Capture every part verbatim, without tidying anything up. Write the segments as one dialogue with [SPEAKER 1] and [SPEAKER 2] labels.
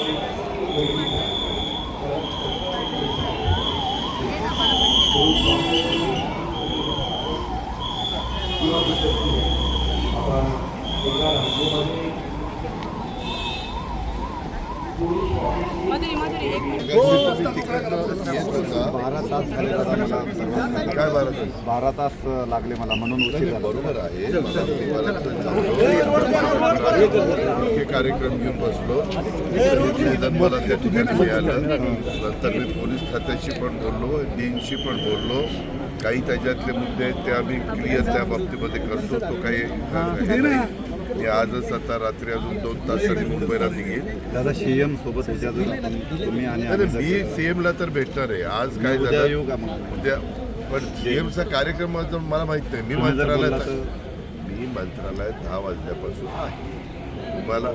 [SPEAKER 1] बारा तास झाले दादा मला.
[SPEAKER 2] काय बारा तास
[SPEAKER 1] बारा तास लागले मला म्हणून उशीर झाला.
[SPEAKER 2] बरोबर आहे. हे कार्यक्रम घेऊन बसलो. निवेदन मला त्या ठिकाणी मिळालं. नंतर मी पोलीस खात्याशी पण बोललो, डीनशी पण बोललो. काही त्याच्यातले मुद्दे आहेत ते आम्ही क्लिअर त्या बाबतीमध्ये करतो. तो काही मी आजच आता रात्री अजून दोन तासांनी मुंबईला निघेल.
[SPEAKER 1] दादा सीएम सोबत तुम्ही आणि
[SPEAKER 2] मी सीएमला तर भेटणार आहे. आज काय झालं उद्या, पण सीएमचा कार्यक्रम मला माहित नाही. मी मंत्रालयात मी मंत्रालयात दहा वाजल्यापासून आहे. तुम्हाला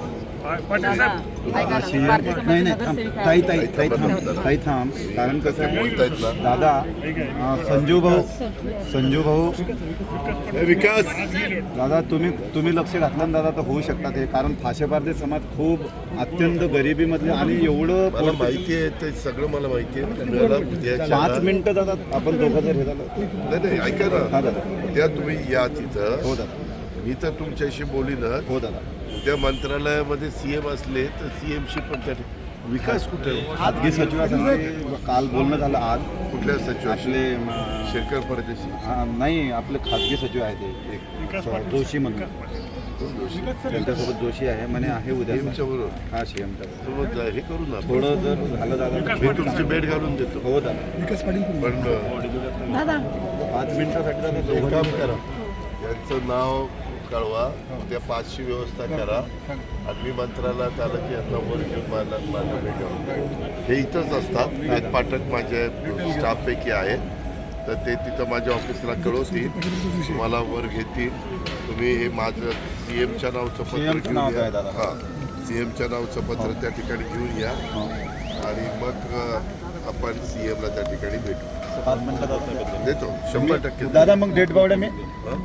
[SPEAKER 1] नाही नाही थांब ताई ताई ताई थांब ताई थांब कारण कसं
[SPEAKER 2] बोलतायत ना
[SPEAKER 1] दादा संजू भाऊ संजू भाऊ
[SPEAKER 2] विकास
[SPEAKER 1] दादा तुम्ही तुम्ही लक्ष घातलं ना दादा तर होऊ शकतात हे. कारण फाशेपारधी समाज खूप अत्यंत गरिबीमधले आणि एवढं
[SPEAKER 2] मला माहिती आहे ते सगळं मला माहिती आहे.
[SPEAKER 1] पाच मिनिटं दादा आपण दोघं जर हे झालं
[SPEAKER 2] नाही नाही ऐका ना उद्या तुम्ही या तिथं.
[SPEAKER 1] हो दादा
[SPEAKER 2] मी तर तुमच्याशी बोलीनच.
[SPEAKER 1] हो दादा
[SPEAKER 2] उद्या मंत्रालयामध्ये सीएम असले तर सीएमशी पण त्या विकास कुठे
[SPEAKER 1] खाजगी सचिवासाठी काल बोलणं झालं आज.
[SPEAKER 2] कुठल्या सचिवाशी?
[SPEAKER 1] आपले
[SPEAKER 2] शेरकर परदेशी
[SPEAKER 1] हां नाही आपले खाजगी सचिव आहे ते एक जोशी म्हणून त्यांच्यासोबत जोशी आहे म्हणे आहे उद्या
[SPEAKER 2] सीएमच्या बरोबर.
[SPEAKER 1] हा सीएमच्या
[SPEAKER 2] मग हे करू ना
[SPEAKER 1] थोडं जर झालं दादा
[SPEAKER 2] मी तुमची भेट घालून देतो.
[SPEAKER 1] हो दादा
[SPEAKER 2] पण
[SPEAKER 1] पाच मिनिटासाठी दादा
[SPEAKER 2] एक
[SPEAKER 1] दोघं
[SPEAKER 2] काम करा, यांचं नाव कळवा, त्या पाचची व्यवस्था करा आणि मी मंत्रालयात आलं की यांना वर घेऊन मला माझ्या भेट घालून. हे इथंच असतात. एक पाठक माझे स्टाफपैकी आहेत तर ते तिथं माझ्या ऑफिसला कळवतील, मला वर घेतील. तुम्ही हे माझं सी एमच्या नावचं पत्र घेऊन या. हां सी एमच्या नावचं पत्र त्या ठिकाणी घेऊन या आणि मग आपण सी एमला त्या ठिकाणी भेटू.
[SPEAKER 1] पाच मिनिटात
[SPEAKER 2] देतो शंभर टक्के
[SPEAKER 1] दादा. मग डेट बावड्या मी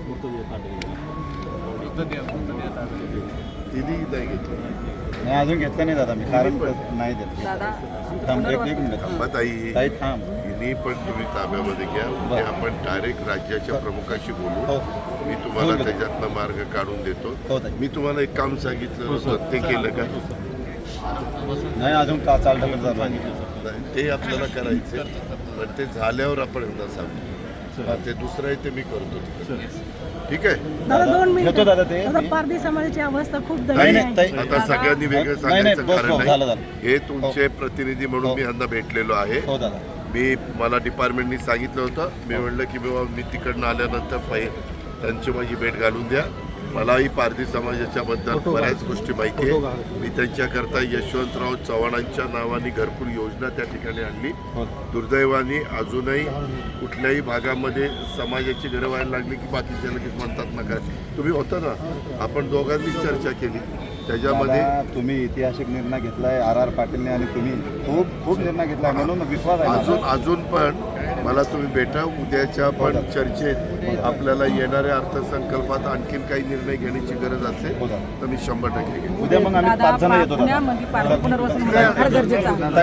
[SPEAKER 2] तिने नाही घेतलं
[SPEAKER 1] नाही अजून घेतलं नाही दादा मी कारण नाही देत. थांब एक एक मिनिट
[SPEAKER 2] थांबा ताई
[SPEAKER 1] ताई थांब.
[SPEAKER 2] तिने पण तुम्ही ताब्यामध्ये घ्या. उद्या आपण डायरेक्ट राज्याच्या प्रमुखाशी बोलू.
[SPEAKER 1] हो
[SPEAKER 2] मी तुम्हाला त्याच्यातनं मार्ग काढून देतो.
[SPEAKER 1] हो ताई.
[SPEAKER 2] मी तुम्हाला एक काम सांगितलं होतं ते केलं का?
[SPEAKER 1] नाही अजून का चालतं चालू आहे.
[SPEAKER 2] नाही, ते आपल्याला करायचं पण ते झाल्यावर आपण एकदा सांगू. ते दुसरं आहे ते मी करतो. ठीक आहे
[SPEAKER 3] दादा दोन
[SPEAKER 1] घेतो
[SPEAKER 3] मिनिटं.
[SPEAKER 1] दादा ते
[SPEAKER 3] दादा पारधी समाजाची अवस्था खूप
[SPEAKER 1] नाही,
[SPEAKER 3] दयनीय
[SPEAKER 1] नाही,
[SPEAKER 3] आहे.
[SPEAKER 1] ताई.
[SPEAKER 2] आता सगळ्यांनी वेगळं
[SPEAKER 1] नाही,
[SPEAKER 2] सांगायचं
[SPEAKER 1] नाही, बस,
[SPEAKER 2] कारण
[SPEAKER 1] बस, झालं,
[SPEAKER 2] नाही.
[SPEAKER 1] झालं.
[SPEAKER 2] हे तुमचे प्रतिनिधी म्हणून मी यांना भेटलेलो आहे.
[SPEAKER 1] हो दादा
[SPEAKER 2] मी मला डिपार्टमेंटनी सांगितलं होतं. मी म्हणलं की बाबा मी तिकडनं आल्यानंतर पहिले त्यांची माझी भेट घालून द्या. मलाही पारधी समाजाच्या बद्दल बऱ्याच गोष्टी माहिती आहे. मी त्यांच्याकरता यशवंतराव चव्हाणांच्या नावाने घरकुल योजना त्या ठिकाणी आणली. दुर्दैवाने अजूनही कुठल्याही भागामध्ये समाजाची घरं व्हायला लागली की बाकीच्या लगेच म्हणतात ना काय. तुम्ही होता ना, आपण दोघांनी चर्चा केली त्याच्यामध्ये.
[SPEAKER 1] दादा, तुम्ही ऐतिहासिक निर्णय घेतलाय आर आर पाटीलने आणि तुम्ही खूप खूप निर्णय घेतलाय म्हणून विश्वास आहे
[SPEAKER 2] अजून अजून पण मला तुम्ही भेटा. उद्याच्या पण चर्चेत आपल्याला येणाऱ्या अर्थसंकल्पात आणखीन काही निर्णय घेण्याची गरज असेल तर मी शंभर टक्के घेईन.
[SPEAKER 1] उद्या मग आम्ही पाच जण येतो दादा.
[SPEAKER 3] पुण्यामध्ये पाणी पुनर्वसन होणं फार गरजेचं आहे.